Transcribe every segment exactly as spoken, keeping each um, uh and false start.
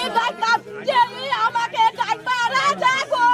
ডাকতাম যে আমাকে ডাকবা রাজা গো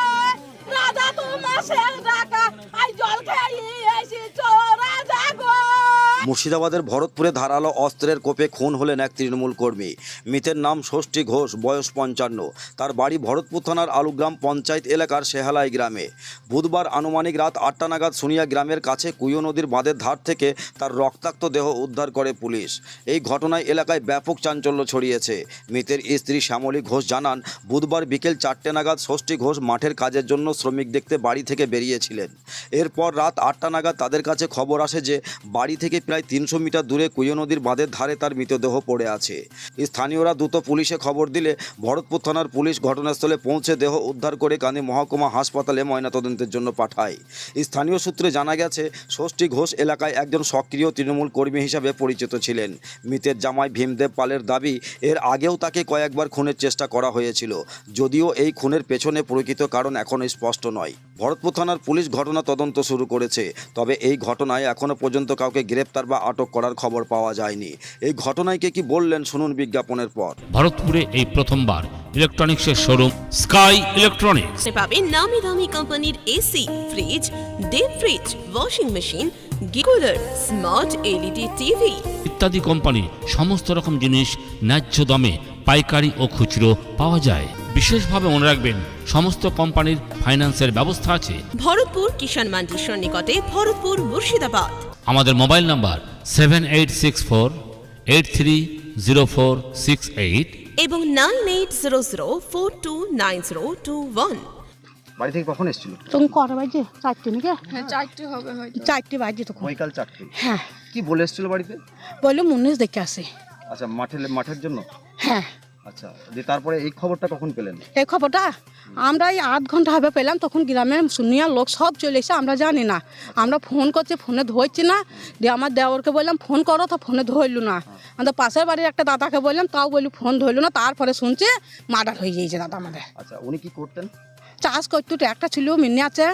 রাজা তোমার শেষ ডাকা আই জল খেয়ে এসেছো রাজা গো। মুর্শিদাবাদের ভরতপুরে ধারালো অস্ত্রের কোপে খুন হলেন এক তৃণমূল কর্মী। মৃতের নাম ষষ্ঠী ঘোষ, বয়স পঞ্চান্ন। তার বাড়ি ভরতপুর থানার আলুগ্রাম পঞ্চায়েত এলাকার শেহালাই গ্রামে। বুধবার আনুমানিক রাত আটটা নাগাদ সুনিয়া গ্রামের কাছে কুয়ো নদীর বাঁধের ধার থেকে তার রক্তাক্ত দেহ উদ্ধার করে পুলিশ। এই ঘটনায় এলাকায় ব্যাপক চাঞ্চল্য ছড়িয়েছে। মৃতের স্ত্রী শ্যামলী ঘোষ জানান, বুধবার বিকেল চারটে নাগাদ ষষ্ঠী ঘোষ মাঠের কাজের জন্য শ্রমিক দেখতে বাড়ি থেকে বেরিয়েছিলেন। এরপর রাত আটটা নাগাদ তাদের কাছে খবর আসে যে বাড়ি থেকে প্রায় তিনশো মিটার দূরে কুয়ো নদীর বাঁধের ধারে তার মৃতদেহ পড়ে আছে। স্থানীয়রা দ্রুত পুলিশে খবর দিলে ভরতপুর থানার পুলিশ ঘটনাস্থলে পৌঁছে দেহ উদ্ধার করে কান্দি মহকুমা হাসপাতালে ময়নাতদন্তের জন্য পাঠায়। স্থানীয় সূত্রে জানা গেছে, ষষ্ঠী ঘোষ এলাকায় একজন সক্রিয় তৃণমূল কর্মী হিসাবে পরিচিত ছিলেন। মৃতের জামাই ভীমদেব পালের দাবি, এর আগেও তাকে কয়েকবার খুনের চেষ্টা করা হয়েছিল, যদিও এই খুনের পেছনে প্রকৃত কারণ এখনও স্পষ্ট নয়। ভরতপুর থানার পুলিশ ঘটনা তদন্ত শুরু করেছে, তবে এই ঘটনায় এখনও পর্যন্ত কাউকে গ্রেপ্তার বা আটক করার খবর পাওয়া যায়নি। এই ঘটনায় কে কি বললেন শুনুন বিজ্ঞাপনের পর। ভরতপুরে এই প্রথমবার ইলেকট্রনিক্সের শোরুম স্কাই ইলেকট্রনিক্স পাবেন নামি দামি কোম্পানির AC, fridge, deep fridge, washing machine, গিকুলার, স্মার্ট এলইডি টিভি ইত্যাদি কোম্পানি সমস্ত রকম জিনিস ন্যায্য দামে পাইকারি ও খুচরো পাওয়া যায়। বিশেষভাবে মনে রাখবেন, সমস্ত কোম্পানির ফাইন্যান্সের ব্যবস্থা আছে। ভরতপুর কিষাণ মান্ডির সন্নিকটে, ভরতপুর, মুর্শিদাবাদ। আমাদের mobile number seven eight six four eight three zero four six eight এবং nine eight zero zero four two nine zero two one. বাড়ি থেকে কখন এসেছিল? তখন কটা বাজে? চারটে নাকি? হ্যাঁ চারটে হবে হয়তো। চারটে বাজে তখন। বৈকাল চারটে। হ্যাঁ। কি বলে এসেছিল বাড়িতে? বললো মুন্নিশ দেখে আসে। আচ্ছা, মাঠে মাঠের জন্য? হ্যাঁ। আচ্ছা, যে তারপরে এই খবরটা কখন পেলেন? এই খবরটা আমরা এই আধ ঘন্টা হবে পেলাম, তখন গ্রামের শুনিয়া লোক সব চলে এসে, আমরা জানি না। আমরা ফোন করছি, ফোনে ধরছি না। দিয়ে আমার দেওরকে বললাম ফোন করো, তো ফোনে ধরলু না। আমাদের পাশের বাড়ির একটা দাদাকে বললাম, তাও বলি ফোন ধরলু না। তারপরে শুনছে মার্ডার হয়ে গিয়েছে দাদা আমাদের। আচ্ছা, উনি কি করতেন? চাষ করতো, একটা ছিল মিনি আছে,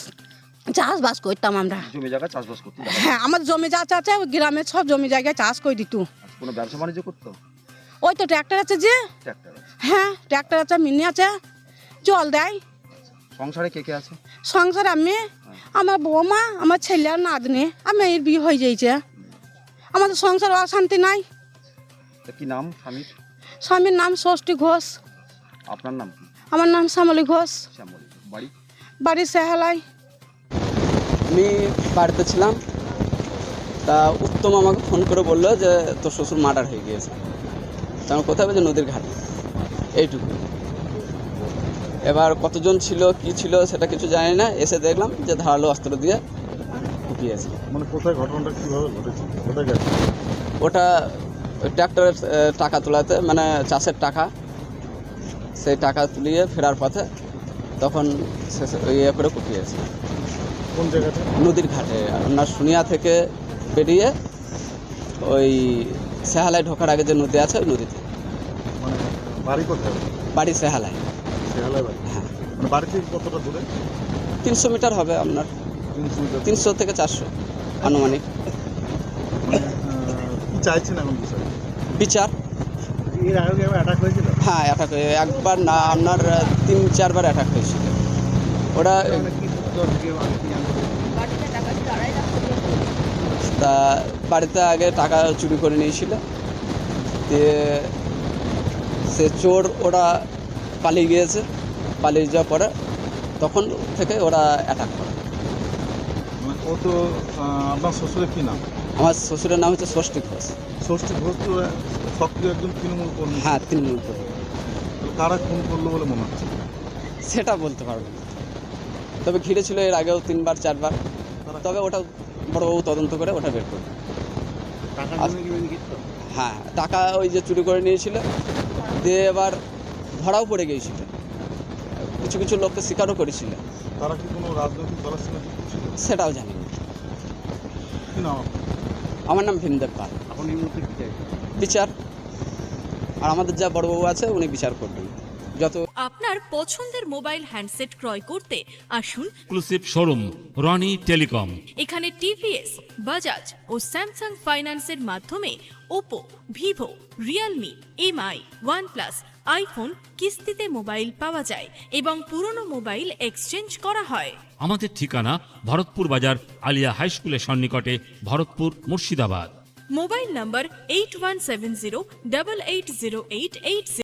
চাষবাস করতাম আমরা। জমি জায়গা চাষবাস করতেন? হ্যাঁ, আমার জমি যা আছে গ্রামের সব জমি জায়গায় চাষ করে দিত। কোনো ব্যবসা বাণিজ্য করতো? ওই তো ট্র্যাক্টর আছে যে। ট্র্যাক্টর আছে? হ্যাঁ, ট্র্যাক্টর আছে, মিনি আছে, জল দেয়। সংসারে কে কে আছে? সংসারে আমি, আমার বৌমা, আমার ছেলে আর নাতনি, আর মেয়ের বিয়ে হয়ে যাইছে। আমাদের সংসার অশান্তি নাই। কি নাম স্বামীর? স্বামীর নাম ষষ্ঠী ঘোষ। আপনার নাম কি? আমার নাম শ্যামলী ঘোষ। শ্যামলী। বাড়ি? বাড়ি সেহালাই। আমি বাড়িতে ছিলাম, তা উত্তম আমাকে ফোন করে বললো যে তোর শ্বশুর মার্ডার হয়ে গিয়েছে। তা আমি কোথায় বলছি? নদীর ঘাটে। এইটুকু। এবার কতজন ছিল, কি ছিল সেটা কিছু জানি না। এসে দেখলাম যে ধারালো অস্ত্র দিয়ে কুপিয়েছে। মানে কোথায় ঘটনাটা কীভাবে ঘটেছে? কোথায় গেছে? ওটা ওই ট্র্যাক্টরের টাকা তোলাতে, মানে চাষের টাকা, সেই টাকা তুলিয়ে ফেরার পথে তখন ইয়ে করে কুপিয়েছে। কোন জায়গাতে? নদীর ঘাটে। আপনার শুনিয়া থেকে বেরিয়ে ওই সেহালায় ঢোকার আগে যে নদী আছে, ওই নদীতে। মানে বাড়ি কোথায়? বাড়ি সেহালায়। সেহালায় বাড়ি? হ্যাঁ। মানে বাড়ি থেকে কতটা দূরে? তিনশো মিটার হবে আপনার, তিনশো মিটার? তিনশো থেকে চারশো আনুমানিক। মানে কি চাইছেন এখন বিষয়? বিচার। এর আগে অ্যাটাক হয়েছিল? হ্যাঁ, অ্যাটাক হয়ে একবার না, আপনার তিন চারবার অ্যাটাক হয়েছিল। ওটা তা বাড়িতে আগে টাকা চুরি করে নিয়েছিল, দিয়ে সে চোর ওরা পালিয়ে গিয়েছে। পালিয়ে যাওয়ার পরে তখন থেকে ওরা অ্যাটাক করে। ও তো আপনার শ্বশুরের কী নাম? আমার শ্বশুরের নাম হচ্ছে ষষ্ঠী ঘোষ। ষষ্ঠী ঘোষ তো সক্রিয় একজন তৃণমূল কর্মী। হ্যাঁ, তৃণমূল কর্মী। কারা খুন করলো বলে মনে হচ্ছে? সেটা বলতে পারবো না, তবে ঘিরে ছিল এর আগেও তিনবার চারবার। তবে ওটা বড়বাবু তদন্ত করে ওটা বের করবে। হ্যাঁ, টাকা ওই যে চুরি করে নিয়েছিল, দিয়ে এবার ধরাও পড়ে গিয়েছিল। কিছু কিছু লোককে স্বীকারও করেছিল। তারা কি কোনো রাজনৈতিক দলের সঙ্গে যুক্ত ছিল? সেটাও জানি না। কি নাম? আমার নাম ভীমদেব পাল। এখন এই মুহূর্তে কি চাই? বিচার। আর আমাদের যা বড়বাবু আছে উনি বিচার করবেন। যত আপনার পছন্দের মোবাইল হ্যান্ডসেট ক্রয় করতে আসুন এক্সক্লুসিভ শোরুম রনি টেলিকম। এখানে টিভিএস, বাজাজ ও স্যামসাং ফাইন্যান্সের মাধ্যমে Oppo, Vivo, Realme, MI, OnePlus, iPhone কিস্তিতে মোবাইল পাওয়া যায় এবং পুরনো মোবাইল এক্সচেঞ্জ করা হয়। আমাদের ঠিকানা ভরতপুর বাজার আলিয়া হাই স্কুলের সন্নিকটে, Bharatpur, Murshidabad. Mobile number eight one seven zero double eight zero eight eight